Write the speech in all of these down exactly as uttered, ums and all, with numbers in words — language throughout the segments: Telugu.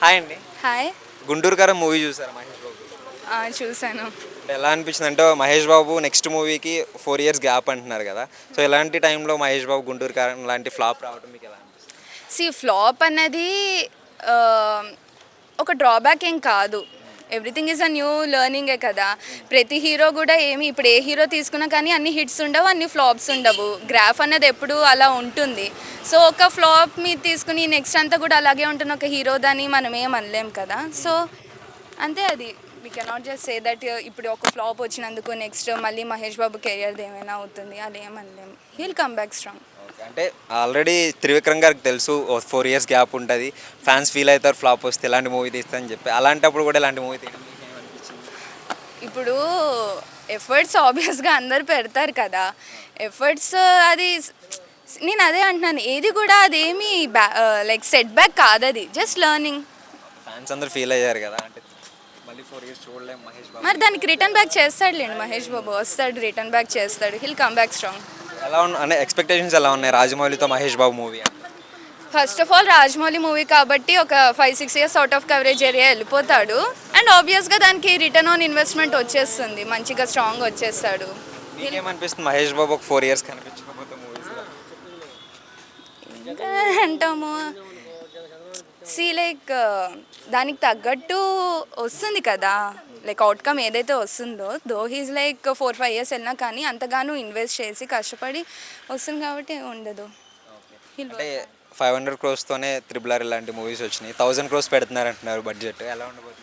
హాయ్ అండి. హాయ్. గుంటూరు కారం మూవీ చూసారా మహేష్ బాబు? ఆ, చూసాను. అంటే ఎలా అనిపించింది అంటే మహేష్ బాబు నెక్స్ట్ మూవీకి ఫోర్ ఇయర్స్ గ్యాప్ అంటున్నారు కదా. సో ఇలాంటి టైంలో మహేష్ బాబు గుంటూరు కారం లాంటి ఫ్లాప్ రావడం మీకు ఎలా అనిపిస్తుంది? సి ఫ్లాప్ అన్నది ఆ, ఒక డ్రాబ్యాక్ ఏం కాదు. ఎవ్రీథింగ్ ఈజ్ అ న్యూ లెర్నింగే కదా. ప్రతి హీరో కూడా ఏమి ఇప్పుడు ఏ హీరో తీసుకున్నా కానీ అన్ని హిట్స్ ఉండవు, అన్ని ఫ్లాప్స్ ఉండవు. గ్రాఫ్ అన్నది ఎప్పుడు అలా ఉంటుంది. సో ఒక ఫ్లాప్ మీద తీసుకుని నెక్స్ట్ అంతా కూడా అలాగే ఉంటుంది ఒక హీరో దాన్ని మనం ఏం అనలేం కదా. సో అంతే, అది we cannot just say that ఇప్పుడు ఒక ఫ్లాప్ వచ్చినందుకు నెక్స్ట్ మళ్ళీ మహేష్ బాబు కెరియర్ది ఏమైనా అవుతుంది అలా ఏమనలేము. He'll come back strong. Okay, అంటే ఆల్రెడీ త్రివిక్రమ్ గారికి తెలుసు ఫోర్ ఇయర్స్ గ్యాప్ ఉంటుంది, ఫ్యాన్స్ ఫీల్ అవుతారు ఫ్లాప్ వస్తే ఇలాంటి మూవీ తీస్తారని చెప్పి. అలాంటప్పుడు కూడా ఇలాంటి మూవీ తీయడం మీకు ఏమనిపించింది? ఇప్పుడు ఎఫర్ట్స్ ఆబ్వియస్గా అందరు పెడతారు కదా. ఎఫర్ట్స్ అది నేను అదే అంటున్నాను, ఏది కూడా అదేమి బ్యా లైక్ సెట్ బ్యాక్ కాదు, అది జస్ట్ లెర్నింగ్. ఫ్యాన్స్ అందరూ ఫీల్ అయ్యారు కదా, అంటే మళ్ళీ ఫోర్ ఇయర్స్ చూడలేము మహేష్ బాబు. మరి దానికి రిటర్న్ బ్యాక్ చేస్తాడులేండి మహేష్ బాబు, వస్తాడు రిటర్న్ బ్యాక్ చేస్తాడు. He'll come back strong. ఎలా ఉన్న అంటే ఎక్స్పెక్టేషన్స్ ఎలా ఉన్నాయి రాజమౌళితో Mahesh Babu movie? First of all Rajamouli movie కాబట్టి ఒక five six years out of coverage area వెళ్ళిపోతాడు. అండ్ ఆబ్వియస్గా దానికి రిటర్న్ ఆన్ ఇన్వెస్ట్మెంట్ వచ్చేస్తుంది, మంచిగా స్ట్రాంగ్ వచ్చేస్తాడు. మీకేమనిపిస్తుంది మహేష్ బాబు ఒక ఫోర్ ఇయర్స్ కనిపించకపోతే మూవీస్లో? ఇంకా అంటాము సి లైక్ దానికి తగ్గట్టు వస్తుంది కదా, లైక్ అవుట్కమ్ ఏదైతే వస్తుందో. Though he's like four five years వెళ్ళినా కానీ అంతగానో ఇన్వెస్ట్ చేసి కష్టపడి వస్తుంది కాబట్టి ఉండదు. అంటే ఫైవ్ హండ్రెడ్ క్రోర్స్తోనే త్రిబుల్ ఆర్ ఇలాంటి మూవీస్ వచ్చినాయి, థౌజండ్ క్రోర్స్ పెడుతున్నారు అంటున్నారు బడ్జెట్. ఎలా ఉండబోతుంది?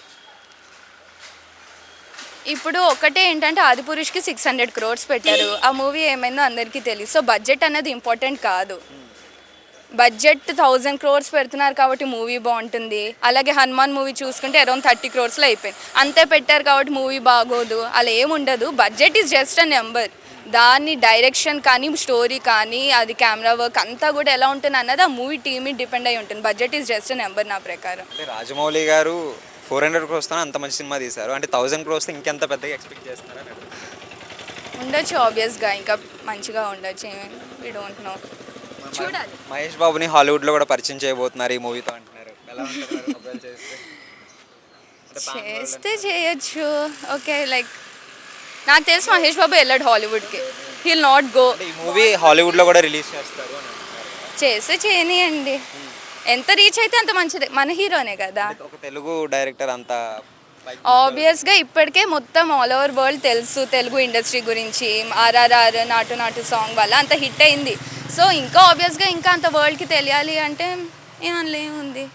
ఇప్పుడు ఒకటే ఏంటంటే ఆదిపురుష్కి సిక్స్ హండ్రెడ్ క్రోర్స్ పెట్టారు, ఆ మూవీ ఏమైందో అందరికీ తెలియదు. సో బడ్జెట్ అనేది ఇంపార్టెంట్ కాదు. బడ్జెట్ థౌజండ్ క్రోర్స్ పెడుతున్నారు కాబట్టి మూవీ బాగుంటుంది. అలాగే హనుమాన్ మూవీ చూసుకుంటే అరౌండ్ థర్టీ క్రోర్స్లో అయిపోయింది, అంతే పెట్టారు కాబట్టి మూవీ బాగోదు అలా ఏముండదు. Budget is just a number. దాన్ని డైరెక్షన్ కానీ స్టోరీ కానీ అది కెమెరా వర్క్ అంతా కూడా ఎలా ఉంటుంది అన్నది ఆ మూవీ టీమ్ డిపెండ్ అయి ఉంటుంది. Budget is just a number నా ప్రకారం. అంటే రాజమౌళి గారు ఫోర్ హండ్రెడ్ క్రోర్స్తో అంత మంచి సినిమా తీశారు, అంటే థౌజండ్ క్రోర్స్తో ఇంకెంత పెద్దగా ఎక్స్పెక్ట్ చేస్తున్నారని ఉండొచ్చు, ఆబ్వియస్గా ఇంకా మంచిగా ఉండొచ్చు. వీ డోంట్ నో, చూడాలి. మహేష్ బాబుని హాలీవుడ్లో కూడా పరిచయం చేయబోతున్నారు ఈ మూవీతో అంటున్నారు. ఎలా ఉంటుంది చేస్తే? చేస్తే చేయొచ్చు, ఓకే. లైక్ నాకు తెలిసి మహేష్ బాబు వెళ్ళాడు హాలీవుడ్కి, హీల్ నాట్ గో. ఈ మూవీ హాలీవుడ్లో కూడా రిలీజ్ చేస్తారు అని అంటున్నారు. చేస్తే చేయనియండి, ఎంత రీచ్ అయితే అంత మంచిదే, మన హీరోనే కదా. ఒక తెలుగు డైరెక్టర్ అంత ఆబ్వియస్గా ఇప్పటికే మొత్తం ఆల్ ఓవర్ వరల్డ్ తెలుసు తెలుగు ఇండస్ట్రీ గురించి. ఆర్ఆర్ఆర్ నాటు నాటు సాంగ్ వల్ల అంత హిట్ అయింది. సో ఇంకా ఆబ్వియస్గా ఇంకా అంత వరల్డ్కి తెలియాలి అంటే ఏమన్నా ఏముంది.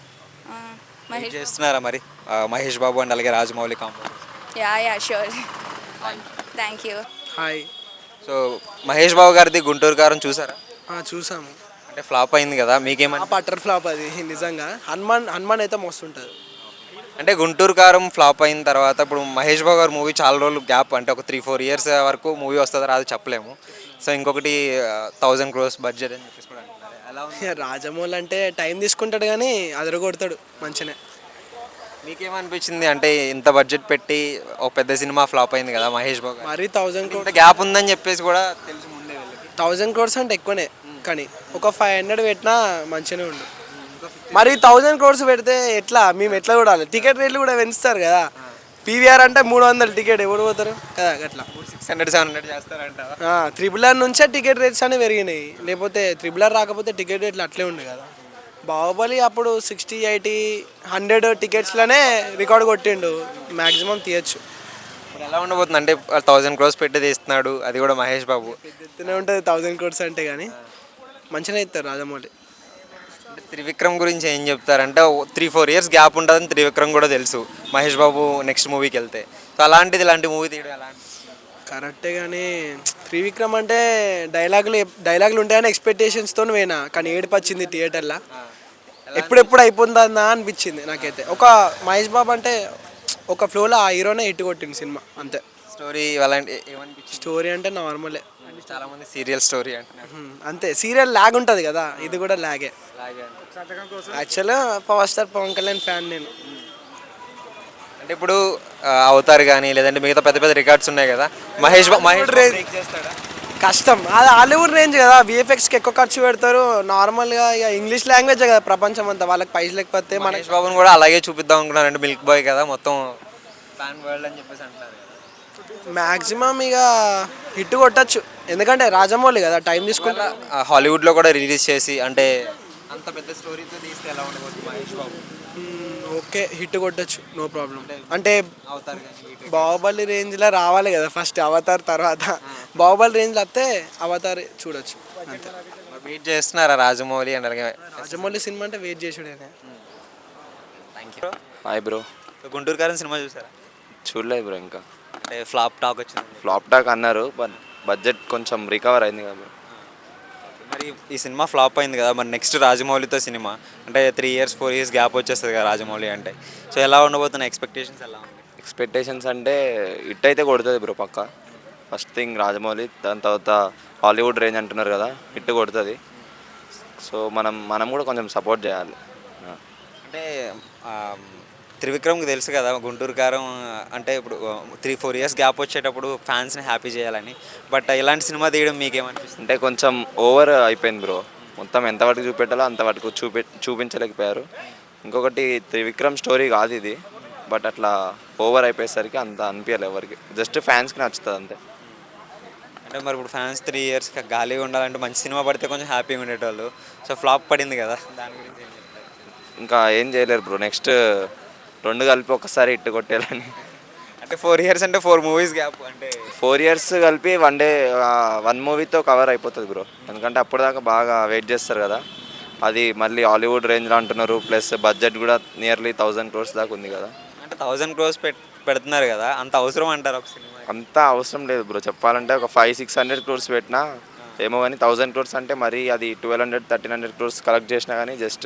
మహేష్ చేస్తున్నారా మరి మహేష్ బాబు అండ్ అలాగే Rajamouli combo? Yeah yeah sure, thank you. Hi. So Mahesh Babu గారిది గుంటూరు కారం చూసారా? చూసాము. అంటే ఫ్లాప్ అయింది కదా, మీకేమన్నా? పట్టర్ ఫ్లాప్ అది నిజంగా. హనుమాన్ హనుమాన్ అయితే మస్తు ఉంటుంది. అంటే గుంటూరు కారం ఫ్లాప్ అయిన తర్వాత ఇప్పుడు మహేష్ బాబు గారు మూవీ చాలా రోజులు గ్యాప్, అంటే ఒక త్రీ ఫోర్ ఇయర్స్ వరకు మూవీ వస్తుందో రాదు చెప్పలేము. సో ఇంకొకటి థౌజండ్ క్రోర్స్ బడ్జెట్ అని చెప్పేసి కూడా అంటున్నారు. ఎలా ఉంది? రాజమౌళి అంటే టైం తీసుకుంటాడు కానీ అదరగొడతాడు మంచిగా. మీకేమనిపించింది అంటే ఇంత బడ్జెట్ పెట్టి ఒక పెద్ద సినిమా ఫ్లాప్ అయింది కదా మహేష్ బాబు? మరీ థౌజండ్ క్రోర్స్ గ్యాప్ ఉందని చెప్పేసి కూడా తెలుసు ముందే వెళ్ళి. థౌజండ్ క్రోర్స్ అంటే ఎక్కువనే, కానీ ఒక ఫైవ్ హండ్రెడ్ పెట్టినా మంచిగానే ఉండు. మరి థౌజండ్ క్రోర్స్ పెడితే ఎట్లా, మేము ఎట్లా చూడాలి? టికెట్ రేట్లు కూడా పెంచుతారు కదా. పీవీఆర్ అంటే మూడు వందలు టికెట్ ఎవరు పోతారు కదా, అట్లా సిక్స్ హండ్రెడ్ సెవెన్ హండ్రెడ్ చేస్తారంట. త్రిబుల్ ఆర్ నుంచే టికెట్ రేట్స్ అనేవి పెరిగినాయి, లేకపోతే త్రిబుల్ ఆర్ రాకపోతే టికెట్ రేట్లు అట్లే ఉండే కదా. బాహుబలి అప్పుడు సిక్స్టీ ఎయిటీ హండ్రెడ్ టికెట్స్లోనే రికార్డ్ కొట్టిండు, మ్యాక్సిమం తీయచ్చు. ఇప్పుడు ఎలా ఉండబోతుంది అంటే థౌజండ్ క్రోర్స్ పెట్టి తీస్తున్నాడు, అది కూడా మహేష్ బాబు. ఎత్తునే ఉంటుంది థౌజండ్ క్రోర్స్ అంటే, కానీ మంచిగానే ఇస్తారు రాజమౌళి. అంటే త్రివిక్రమ్ గురించి ఏం చెప్తారంటే త్రీ ఫోర్ ఇయర్స్ గ్యాప్ ఉంటుందని త్రివిక్రమ్ కూడా తెలుసు మహేష్ బాబు నెక్స్ట్ మూవీకి వెళ్తే. సో అలాంటిది ఇలాంటి మూవీ తీయడం ఎలా? కరెక్టే, కానీ త్రివిక్రమ్ అంటే డైలాగులు డైలాగులు ఉంటాయని ఎక్స్పెక్టేషన్స్తో పోయినా, కానీ ఏడుపు వచ్చింది థియేటర్లో. ఎప్పుడెప్పుడు అయిపోతుందా అనిపించింది నాకైతే. ఒక మహేష్ బాబు అంటే ఒక ఫ్లోలో ఆ హీరోనే హిట్ కొట్టింది సినిమా, అంతే. స్టోరీ అలాంటి ఏమనిపించింది? స్టోరీ అంటే నార్మలే, చాలా మంది సీరియల్ స్టోరీ అంటున్నారు. అంతే, సీరియల్ లాగ్ ఉంటుంది కదా, ఇది కూడా లాగే. యాక్చువల్గా power star Pawan Kalyan fan నేను. అంటే ఇప్పుడు అవతార్ కానీ లేదంటే మిగతా పెద్ద పెద్ద రికార్డ్స్ ఉన్నాయి కదా, మహేష్ మహేష్ బ్రేక్ చేస్తాడా? కష్టం. అది హాలీవుడ్ రేంజ్ కదా, విఎఫ్ఎక్స్కి ఎక్కువ ఖర్చు పెడతారు. నార్మల్గా ఇక ఇంగ్లీష్ లాంగ్వేజ్ కదా ప్రపంచం అంతా, వాళ్ళకి పైసలు లేకపోతే మనకి మహేష్ బాబుని కూడా అలాగే చూపిద్దాం అనుకున్నారు అంటే మిల్క్ బాయ్ కదా మొత్తం ఫ్యాన్ వరల్డ్ అని చెప్పేసి అంటున్నారు కదా. మ్యాక్సిమం ఇక హిట్ కొట్టచ్చు, ఎందుకంటే రాజమౌళి కదా, టైం తీసుకుంటా. ఆ, హాలీవుడ్లో కూడా రిలీజ్ చేసి అంటే అంత పెద్ద స్టోరీతో తీస్తే ఎలా ఉండబోతుంది మహేష్ బాబు? ఓకే, హిట్ కొట్టచ్చు, నో ప్రాబ్లం. అంటే అవుతారు కానీ బాహుబలి రేంజ్లో రావాలి కదా ఫస్ట్, అవతార్ తర్వాత. బాహుబలి రేంజ్లో వస్తే అవతార్ చూడొచ్చు అంతే. వెయిట్ చేస్తున్నారా రాజమౌళి అండ్ అలాగే రాజమౌళి సినిమా అంటే వెయిట్ చేసుడే. Thank you. Hi bro. Guntur Kaaram cinema చూసారా? చూడలేదు బ్రో ఇంకా. అంటే ఫ్లాప్ టాక్ వచ్చింది. ఫ్లాప్ టాక్ అన్నారు, బట్ బడ్జెట్ కొంచెం రికవర్ అయింది కదా బ్రో. మరి ఈ సినిమా ఫ్లాప్ అయింది కదా, మరి నెక్స్ట్ రాజమౌళితో సినిమా అంటే three years four years gap వచ్చేస్తుంది కదా రాజమౌళి అంటే. సో ఎలా ఉండబోతున్న ఎక్స్పెక్టేషన్స్ ఎలా ఉంది? ఎక్స్పెక్టేషన్స్ అంటే హిట్ అయితే కొడుతుంది బ్రో పక్క. ఫస్ట్ థింగ్ రాజమౌళి, దాని తర్వాత హాలీవుడ్ రేంజ్ అంటున్నారు కదా, హిట్ కొడుతుంది. సో మనం మనం కూడా కొంచెం సపోర్ట్ చేయాలి. అంటే ఆ, త్రివిక్రమ్కి తెలుసు కదా గుంటూరు కారం అంటే ఇప్పుడు త్రీ ఫోర్ ఇయర్స్ గ్యాప్ వచ్చేటప్పుడు ఫ్యాన్స్ని హ్యాపీ చేయాలని. బట్ ఇలాంటి సినిమా తీయడం మీకేమనిపిస్తుంది? అంటే కొంచెం ఓవర్ అయిపోయింది బ్రో. మొత్తం ఎంతవరకు చూపెట్టాలో అంతవరకు చూపి చూపించలేకపోయారు. ఇంకొకటి త్రివిక్రమ్ స్టోరీ కాదు ఇది, బట్ అట్లా ఓవర్ అయిపోయేసరికి అంత అనిపించాలి ఎవరికి, జస్ట్ ఫ్యాన్స్కి నచ్చుతుంది అంతే. అంటే మరి ఇప్పుడు ఫ్యాన్స్ త్రీ ఇయర్స్ గాలిగా ఉండాలంటే మంచి సినిమా పడితే కొంచెం హ్యాపీగా ఉండేటోళ్ళు. సో ఫ్లాప్ పడింది కదా, దాని గురించి ఏం చెప్తారు? ఇంకా ఏం చేయలేరు బ్రో. నెక్స్ట్ రెండు కలిపి ఒకసారి హిట్ కొట్టేయాలని. అంటే ఫోర్ ఇయర్స్ అంటే ఫోర్ మూవీస్ గ్యాప్ అంటే ఫోర్ ఇయర్స్ కలిపి వన్ డే వన్ మూవీతో కవర్ అయిపోతుంది బ్రో. ఎందుకంటే అప్పటిదాకా బాగా వెయిట్ చేస్తారు కదా. అది మళ్ళీ హాలీవుడ్ రేంజ్లో అంటున్నారు, ప్లస్ బడ్జెట్ కూడా నియర్లీ థౌజండ్ క్రోర్స్ దాకా ఉంది కదా. అంటే థౌజండ్ క్రోర్స్ పెట్ పెడుతున్నారు కదా, అంత అవసరం అంటారు ఒక సినిమా? అంత అవసరం లేదు బ్రో. చెప్పాలంటే ఒక ఫైవ్ సిక్స్ హండ్రెడ్ క్రోర్స్ పెట్టినా ఏమో కానీ, థౌజండ్ క్రోర్స్ అంటే మరి అది twelve hundred thirteen hundred crores collect చేసినా కానీ జస్ట్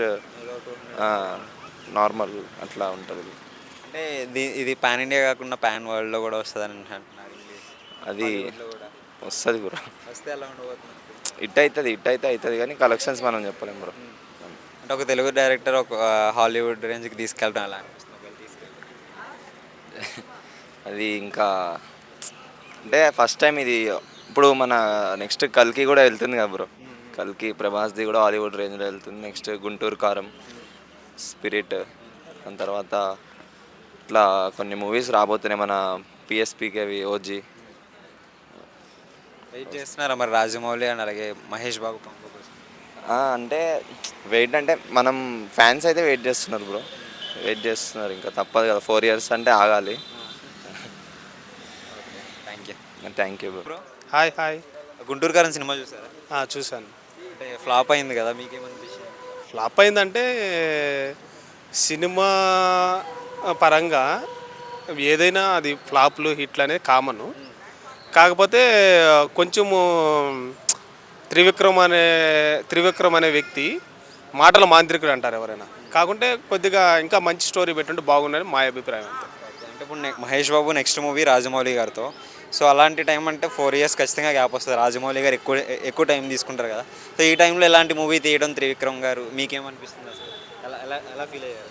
నార్మల్ అట్లా ఉంటుంది. అంటే ఇది ఇది పాన్ ఇండియా కాకుండా పాన్ వరల్డ్లో కూడా వస్తుందని అంటున్నారు. ఇంగ్లీష్ అది కూడా వస్తుంది బ్రో. వస్తే ఎలా ఉండబోతుంది? హిట్ అవుతుంది హిట్ అయితే అవుతుంది కానీ కలెక్షన్స్ మనం చెప్పలేం బ్రో. అంటే ఒక తెలుగు డైరెక్టర్ ఒక హాలీవుడ్ రేంజ్కి తీసుకెళ్ళడం ఎలా అనిపిస్తుంది ఒకవేళ తీసుకెళ్ళి? అది ఇంకా అంటే ఫస్ట్ టైం ఇది. ఇప్పుడు మన నెక్స్ట్ కల్కి కూడా వెళ్తుంది కదా బ్రో. కల్కి ప్రభాస్ది కూడా హాలీవుడ్ రేంజ్లో వెళ్తుంది. నెక్స్ట్ గుంటూరు కారం, స్పిరిట్, దాని తర్వాత ఇట్లా కొన్ని మూవీస్ రాబోతున్నాయి మన పిఎస్పీకేవి, ఓజీ. వెయిట్ చేస్తున్నారా మరి రాజమౌళి అండ్ అలాగే మహేష్ బాబు కాంబో కోసం? అంటే వెయిట్ అంటే మనం ఫ్యాన్స్ అయితే వెయిట్ చేస్తున్నారు బ్రో, వెయిట్ చేస్తున్నారు. ఇంకా తప్పదు కదా, ఫోర్ ఇయర్స్ అంటే ఆగాలి. Thank you. Thank you bro. Hi hi Guntur Kaaram cinema చూసారా? ఆ, చూశాను. అంటే ఫ్లాప్ అయింది కదా, మీకేమనిపించింది? ఫ్లాప్ అయిందంటే సినిమా పరంగా ఏదైనా అది ఫ్లాప్లు హిట్లు అనేది కామను. కాకపోతే కొంచెము త్రివిక్రమ్ అనే త్రివిక్రమ్ అనే వ్యక్తి మాటల మాంత్రికుడు అంటారు ఎవరైనా. కాకుంటే కొద్దిగా ఇంకా మంచి స్టోరీ పెట్టుంటే బాగుండని మా అభిప్రాయం అంతే. అంటే ఇప్పుడు నె- మహేష్ బాబు నెక్స్ట్ మూవీ రాజమౌళి గారితో. సో అలాంటి టైం అంటే ఫోర్ ఇయర్స్ ఖచ్చితంగా గ్యాప్ వస్తుంది. రాజమౌళి గారు ఎక్కువ ఎక్కువ టైం తీసుకుంటారు కదా. సో ఈ టైంలో ఎలాంటి మూవీ తీయడం త్రివిక్రమ్ గారు మీకేమనిపిస్తుంది అసలు? ఎలా ఎలా ఎలా ఫీల్ అయ్యారు?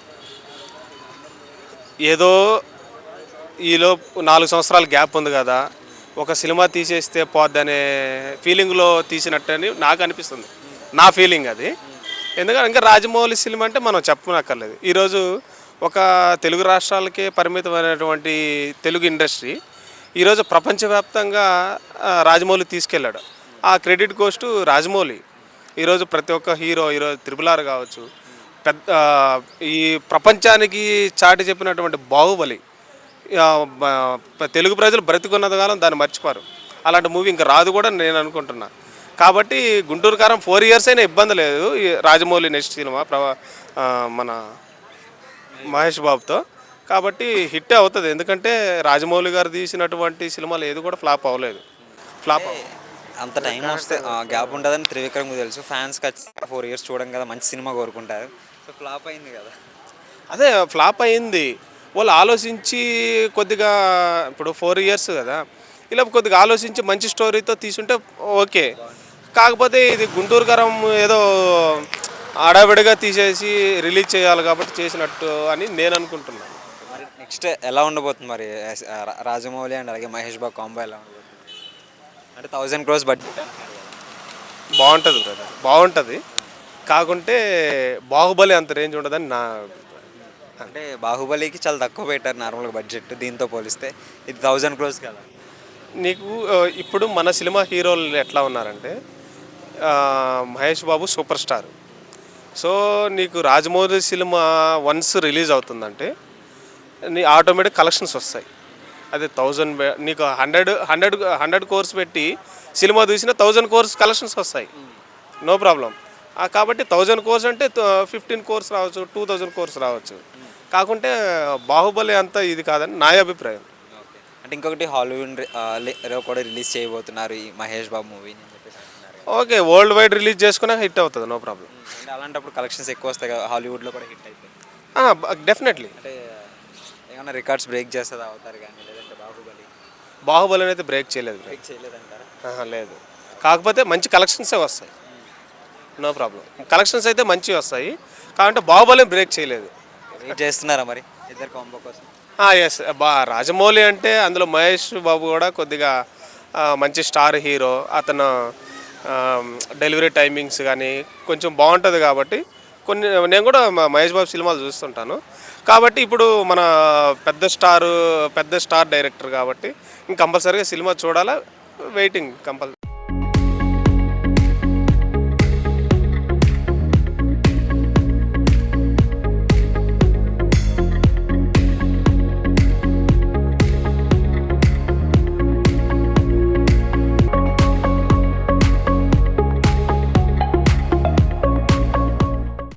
ఏదో ఈలో నాలుగు సంవత్సరాల గ్యాప్ ఉంది కదా, ఒక సినిమా తీసేస్తే పోద్దనే ఫీలింగ్లో తీసినట్టని నాకు అనిపిస్తుంది. నా ఫీలింగ్ అది. ఎందుకంటే ఇంకా రాజమౌళి సినిమా అంటే మనం చెప్పనక్కర్లేదు. ఈరోజు ఒక తెలుగు రాష్ట్రాలకే పరిమితమైనటువంటి తెలుగు ఇండస్ట్రీ ఈరోజు ప్రపంచవ్యాప్తంగా ఆ, రాజమౌళి తీసుకెళ్ళాడు. ఆ క్రెడిట్ కోస్ట్ రాజమౌళి. ఈరోజు ప్రతి ఒక్క హీరో ఈరోజు త్రిబుల్ ఆర్ కావచ్చు, పెద్ద ఆ, ఈ ప్రపంచానికి చాటి చెప్పినటువంటి బాహుబలి, ఆ, బ- తెలుగు ప్రజలు బ్రతికున్నది కాలం దాన్ని మర్చిపోరు. అలాంటి మూవీ ఇంకా రాదు కూడా నేను అనుకుంటున్నా. కాబట్టి గుంటూరు కారం ఫోర్ ఇయర్స్ అయినా ఇబ్బంది లేదు. ఈ రాజమౌళి నెక్స్ట్ సినిమా ప్రభా ఆ, మన మహేష్ బాబుతో. కాబట్టి హిట్ అవుతుంది. ఎందుకంటే రాజమౌళి గారు తీసినటువంటి సినిమాలు ఏది కూడా ఫ్లాప్ అవ్వలేదు. ఫ్లాప్ అవ్వ అంత టైం వస్తే గ్యాప్ ఉంటుందని త్రివిక్రమ్కి తెలుసు. ఫ్యాన్స్ ఖచ్చితంగా ఫోర్ ఇయర్స్ చూడడం కదా, మంచి సినిమా కోరుకుంటారు. సో ఫ్లాప్ అయింది కదా. అదే ఫ్లాప్ అయింది. వాళ్ళు ఆలోచించి కొద్దిగా ఇప్పుడు ఫోర్ ఇయర్స్ కదా, ఇలా కొద్దిగా ఆలోచించి మంచి స్టోరీతో తీసుంటే ఓకే. కాకపోతే ఇది గుంటూరు కారం ఏదో ఆడావిడిగా తీసేసి రిలీజ్ చేయాలి కాబట్టి చేసినట్టు అని నేను అనుకుంటున్నాను. మరి నెక్స్ట్ ఎలా ఉండబోతుంది మరి రా- రాజమౌళి అండ్ అలాగే మహేష్ బాబు కాంబో ఎలా ఉండబోతుంది? అంటే థౌజండ్ క్రోస్ బడ్జెట్. బాగుంటుంది బ్రదర్, బాగుంటుంది. కాకుంటే బాహుబలి అంత రేంజ్ ఉండదని నా అంటే బాహుబలికి చాలా తక్కువ పెట్టారు నార్మల్గా బడ్జెట్, దీంతో పోలిస్తే ఇది థౌజండ్ క్రోస్ కదా. నీకు ఆ, ఇప్పుడు మన సినిమా హీరోలు ఎట్లా ఉన్నారంటే ఆ, Mahesh Babu super star. So నీకు రాజమౌళి సినిమా వన్స్ రిలీజ్ అవుతుందంటే నీ ఆటోమేటిక్ కలెక్షన్స్ వస్తాయి. అదే థౌజండ్ నీకు హండ్రెడ్ హండ్రెడ్ హండ్రెడ్ కోర్స్ పెట్టి సినిమా చూసిన థౌజండ్ కోర్స్ కలెక్షన్స్ వస్తాయి, నో ప్రాబ్లం. కాబట్టి థౌజండ్ కోర్స్ అంటే ఫిఫ్టీన్ కోర్స్ రావచ్చు, టూ థౌజండ్ కోర్స్ రావచ్చు. కాకుంటే బాహుబలి అంతా ఇది కాదని నా అభిప్రాయం. అంటే ఇంకొకటి హాలీవుడ్ రి- కూడా రిలీజ్ చేయబోతున్నారు ఈ మహేష్ బాబు మూవీని అని చెప్పేసి అంటున్నారు. ఓకే, వరల్డ్ వైడ్ రిలీజ్ చేసుకున్నా హిట్ అవుతుంది, నో ప్రాబ్లం. అంటే అలాంటప్పుడు కలెక్షన్స్ ఎక్కువ వస్తాయి కదా, హాలీవుడ్లో కూడా హిట్ అయిపోయి. డెఫినెట్లీ అంటే ఏమైనా రికార్డ్స్ బ్రేక్ చేస్తుంది అవుతారు కానీ, లేదంటే బాహుబలి బాహుబలి అయితే బ్రేక్ చేయలేదు bro. బ్రేక్ చేయలేదంటారా? ఆహా, లేదు. కాకపోతే మంచి కలెక్షన్సే వస్తాయి, నో ప్రాబ్లం. కలెక్షన్స్ అయితే మంచివి వస్తాయి, కాబట్టి బాహుబలి బ్రేక్ చేయలేదు. వెయిట్ చేస్తున్నారా మరి ఇద్దరు కాంబో కోసం? ఎస్, బా రాజమౌళి అంటే అందులో మహేష్ బాబు కూడా కొద్దిగా ఆ, మంచి స్టార్ హీరో. అతను డెలివరీ టైమింగ్స్ కానీ కొంచెం బాగుంటుంది కాబట్టి కొన్ని నేను కూడా మ- మహేష్ బాబు సినిమాలు చూస్తుంటాను. కాబట్టి ఇప్పుడు మన పెద్ద స్టార్ పెద్ద స్టార్ డైరెక్టర్ కాబట్టి ఇంక కంపల్సరీగా సినిమా చూడాలా, వెయిటింగ్ కంపల్సరీ.